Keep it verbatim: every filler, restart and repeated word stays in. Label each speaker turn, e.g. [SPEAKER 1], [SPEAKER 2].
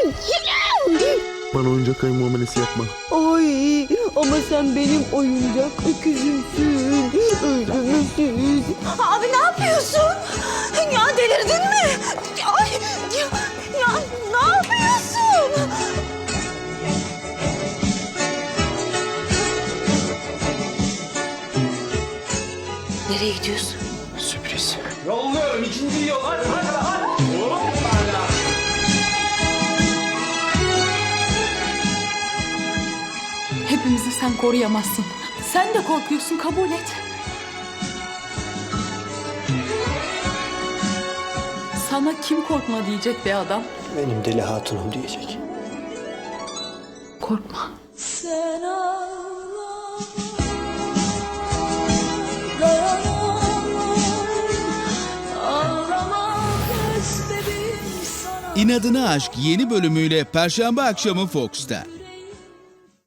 [SPEAKER 1] Bana oyuncak ayı muamelesi yapma.
[SPEAKER 2] Ay ama sen benim oyuncak öküzümsün. Öldürürsün.
[SPEAKER 3] Abi ne yapıyorsun? Ya delirdin mi? Ay, ya, ya ne yapıyorsun? Nereye gidiyorsun?
[SPEAKER 1] Sürpriz.
[SPEAKER 4] Yolluyorum ikinci yol. Hadi hadi hadi. Hoppala.
[SPEAKER 5] Hepimizi sen koruyamazsın. Sen de korkuyorsun, kabul et. Sana kim korkma diyecek be adam.
[SPEAKER 1] Benim deli hatunum diyecek.
[SPEAKER 5] Korkma.
[SPEAKER 3] Sen ağla, dayanamam, ağlamak istedim sana.
[SPEAKER 6] İnadına Aşk yeni bölümüyle Perşembe akşamı Fox'ta.